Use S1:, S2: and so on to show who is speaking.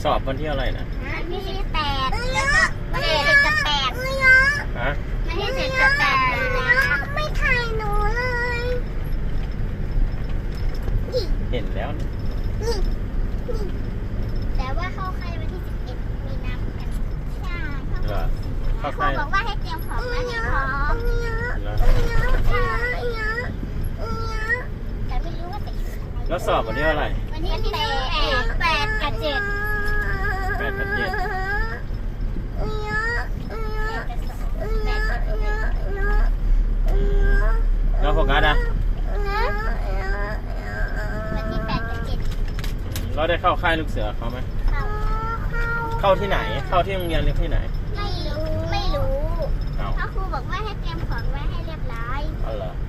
S1: สอบวันที่อะไรนะ
S2: วันที่18แล้วก็วันที่7กับ8
S1: ฮะ
S2: วันที่7กับ8ไม่ถ่ายหนูเลย
S1: เห็นแล้วนะ
S2: แต่ว่าเข้าค่ายวันที่11มีนาคมใช่
S1: เหรอเข้า
S2: ครู
S1: ค่าย
S2: บอกว่าให้เตรียมของนะให้พร้อม
S1: เหรอ
S2: แต่ไม่รู้ว่าจะอยู่อะไร
S1: แล้วสอบวันที่อะไร
S2: วันที่8กับ7
S1: 8 กับ 7แล้วโฟกัสอ่ะ
S2: วันที่8กับ7
S1: เราได้เข้าค่ายลูกเสือเขาไหมเข้าที่ไหนเข้าที่โรงเรียนหรือที่ไหน
S2: ไม่รู้
S1: เอา
S2: เพราะครูบอกว่าให้เตรียมของไว้ให้เรียบร้อย
S1: เอาเหรอ